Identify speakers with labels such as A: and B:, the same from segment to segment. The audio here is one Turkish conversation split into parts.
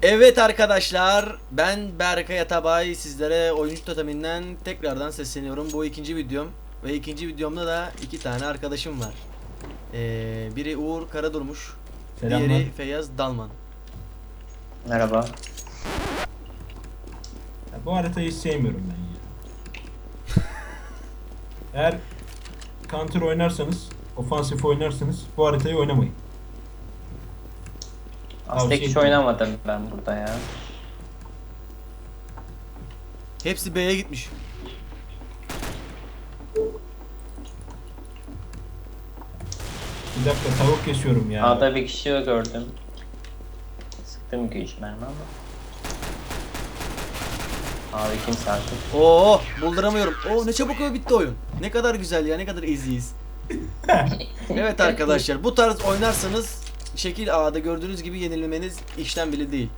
A: Evet arkadaşlar, ben Berkay Atabay, sizlere oyuncu toteminden tekrardan sesleniyorum. Bu ikinci videom ve ikinci videomda da iki tane arkadaşım var. Biri Uğur Karadurmuş,
B: Selamlar.
A: diğeri Feyyaz Dalman.
C: Merhaba.
B: Ya bu haritayı hiç sevmiyorum ben ya. Eğer counter oynarsanız, ofansif oynarsanız bu haritayı oynamayın.
C: Aslında
B: Tavsiye
C: hiç
B: ederim.
C: oynamadım ben burada ya.
A: Hepsi B'ye gitmiş.
B: Bir dakika tavuk kesiyorum ya.
C: A'da bir kişi gördüm. Sıktım 2-3 mermi ama. Abi kimse artık.
A: Oo, bulduramıyorum. Oo, ne çabuk bitti oyun. Ne kadar güzel ya, ne kadar easy'iz. Evet arkadaşlar, bu tarz oynarsanız şekil A'da gördüğünüz gibi yenilmeniz işten bile değil.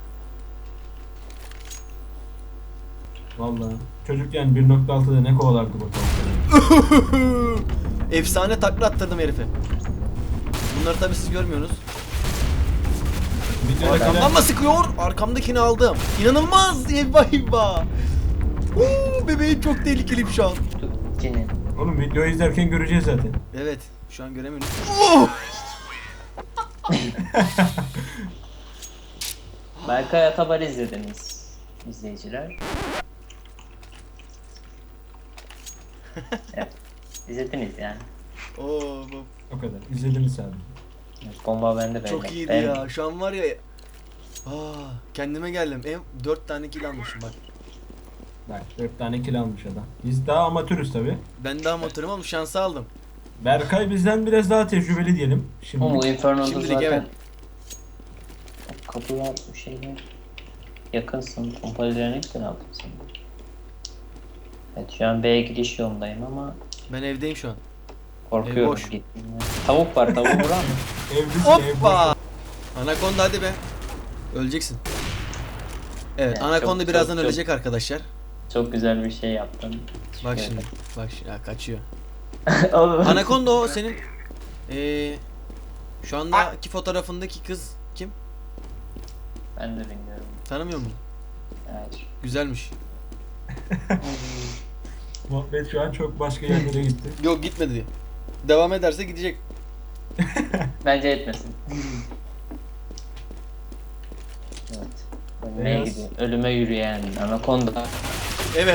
B: Vallahi çocukken 1.6'da ne kovalardı bu tavukları.
A: Efsane takla attırdım herife. Bunları tabi siz görmüyorsunuz.
B: Videodakiler
A: Arkamdan mı sıkıyor? Arkamdakini aldım. İnanılmaz! Eyvah eyvah! Bebeğim çok tehlikeliyim şu an.
C: Cinin.
B: oğlum videoyu izlerken göreceğiz zaten.
A: Evet, şu an göremiyorum.
C: Berkay Atabar izlediniz izleyiciler. Evet. İzlediniz yani.
A: Oo, bu
B: O kadar. İzlediniz sadece.
C: Bomba bende böyle.
A: çok iyiydi
C: Ben-
A: ya. Şu an var ya. Kendime geldim. 4 tane kill almışım bak.
B: Bak 4 tane kill almış adam. Biz daha amatörüz tabi.
A: Ben daha motorum ama şansı aldım.
B: Berkay bizden biraz daha tecrübeli diyelim. Şimdi
C: Ama bu Inferno'da
A: Şimdilik
C: zaten
A: evet.
C: kapıya bir şeyler yakınsın. Pompalarını ne güzel aldın sen. Evet şu an B'ye gidiş yolundayım ama
A: Ben evdeyim şu an.
C: korkuyorum
A: boş.
C: gittiğimde. Tavuk var, tavuğu vurar mı?
B: evlisin ev
A: Hoppa! Anakonda hadi be. Öleceksin. Evet,
C: Evet,
A: Anakonda
C: çok-
A: birazdan
C: çok-
A: ölecek arkadaşlar.
C: Çok güzel bir şey yaptın.
A: Bak
C: Teşekkür
A: şimdi. Bak şimdi. Ya, kaçıyor.
C: ederim. Oğlum.
A: Anakonda o senin şu andaki fotoğrafındaki kız kim?
C: Ben de bilmiyorum.
A: Tanımıyor musun?
C: Evet.
A: Güzelmiş.
B: Muhabbet şu an çok başka yerlere gitti.
A: Yok gitmedi diye. Devam ederse gidecek.
C: Bence etmesin. Evet. Ölmeye
B: Beyaz.
C: gidiyor. Ölüme yürüyen anakonda.
A: Evet.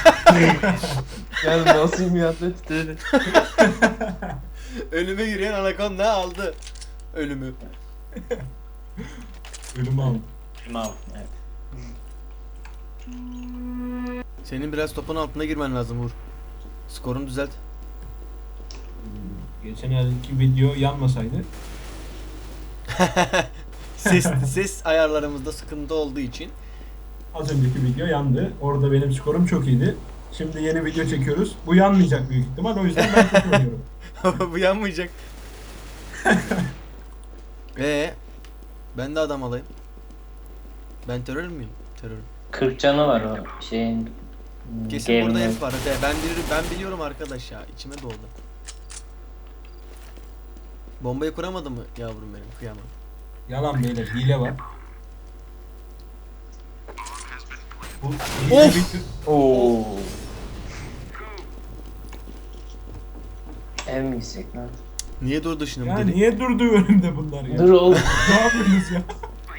C: Yani nasıl bir atlet dedi.
A: Ölüme yürüyen anakonda aldı. Ölümü.
B: Ölümü aldı.
C: Tamam. Evet.
A: Senin biraz topun altına girmen lazım Uğur. Skorunu düzelt.
B: Geçen yerdeki video yanmasaydı
A: Ses ayarlarımızda sıkıntı olduğu için.
B: az önceki video yandı. Orada benim skorum çok iyiydi. Şimdi yeni video çekiyoruz. Bu yanmayacak büyük ihtimal. O yüzden ben kötü oynuyorum.
A: Bu yanmayacak. Ben de adam alayım. Ben terör müyüm? Terör.
C: 40 canı var o şeyin.
A: Kesin burada
C: game'in.
A: hep var. Ben biliyorum arkadaş ya. İçime doldu. Bombayı kuramadı mı yavrum benim? Kıyamam.
B: Yalan beyler. Hile var. Bu
A: Of!
B: video...
C: Oo. Ev mi gitsek lan?
A: Niye durdu şimdi bu
B: Ya
A: deli?
B: niye durdu önümde bunlar ya?
C: Dur oğlum.
B: Ne yapıyorsunuz ya?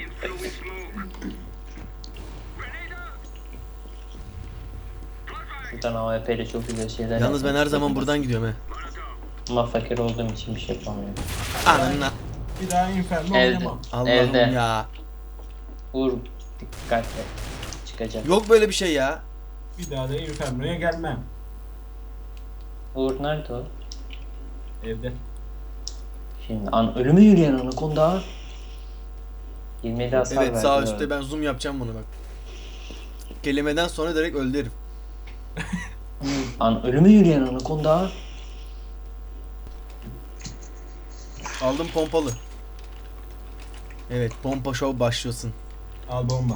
C: Şuradan AWP ile çok güzel şeyler
A: Yalnız ben
C: yapmak
A: her zaman
C: istedim.
A: buradan gidiyorum he.
C: Ama fakir olduğum için bir şey yapamıyorum.
A: Ananla.
B: Bir daha Inferno
C: Evde.
B: oynamam.
A: Allah'ım
C: Evde.
A: ya.
C: Vur. Dikkatle. Çıkacak.
A: Yok böyle bir şey ya.
B: Bir daha da Inferno'ya gelmem.
C: Uğur nerede o?
B: Evde.
C: Şimdi ölüme yürüyen anakonda. 27 hasar
A: Evet
C: verdi.
A: sağ üstte ben zoom yapacağım bunu bak. Kelimeden sonra direkt öldü herif.
C: Ölüme yürüyen anakonda.
A: Aldım pompalı. Evet pompa show başlıyorsun.
B: Al bomba.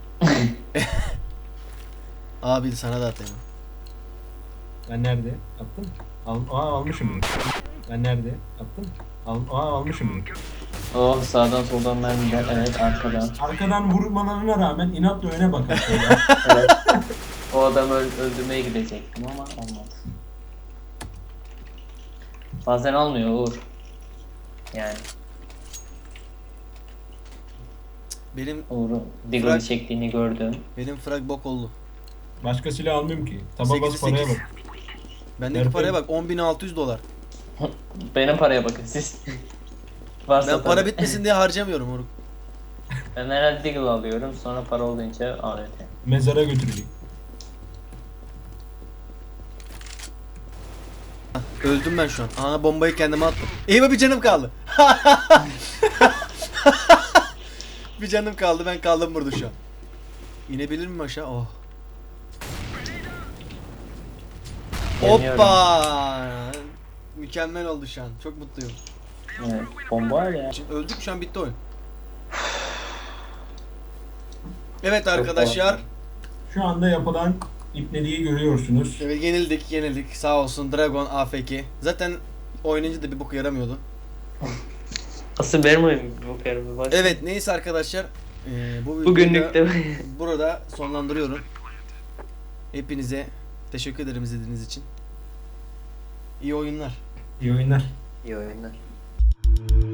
A: Abi sana da atayım.
B: Ben nerede? Attım. Almışım bunu. Ben nerede? Attım. Almışım bunu.
C: Oh, sağdan soldan mermiler. Evet, arkadan.
B: Arkadan vurmalarına rağmen inatla öne bakar şöyle.
C: Evet. O adamı öldürmeye gidecektim ama olmadı. Bazen olmuyor Uğur. Yani
A: Benim
C: Uğur'un Deagle'ı çektiğini gördüm.
A: frag bok oldu.
B: Başka silah almayayım ki. Taba bas
A: 8'i
B: paraya
A: 8.
B: bak.
A: Bendeki
B: Nerede?
A: paraya bak 10.600 dolar.
C: Benim paraya bakın siz. Varsa
A: Ben para
C: tabii.
A: bitmesin diye harcamıyorum Uruk.
C: Ben herhalde Deagle alıyorum, sonra para olunca AWP.
B: Mezara götürecek.
A: Öldüm ben şu an. Ana bombayı kendime attım. Eyvah, bir canım kaldı. Bir canım kaldı, ben kaldım burada şu an. İnebilir miyim aşağı? Oh.
C: Deniyorum.
A: Hoppa! Mükemmel oldu şu an. Çok mutluyum.
C: Evet, bomba var ya.
A: Şimdi öldük, şu an bitti oyun. Evet arkadaşlar.
B: Şu anda yapılan ipneliği görüyorsunuz.
A: Evet, yenildik. Sağ olsun Dragon AFK. Zaten oynayınca da bir boku yaramıyordu.
C: Asıl benim oyun bu karımı bak.
A: Evet, neyse arkadaşlar. Bu videoyu
C: Bugünlük
A: da
C: de
A: burada sonlandırıyorum. Hepinize teşekkür ederim izlediğiniz için. İyi oyunlar.
B: İyi oyunlar.
C: iyi oyunlar.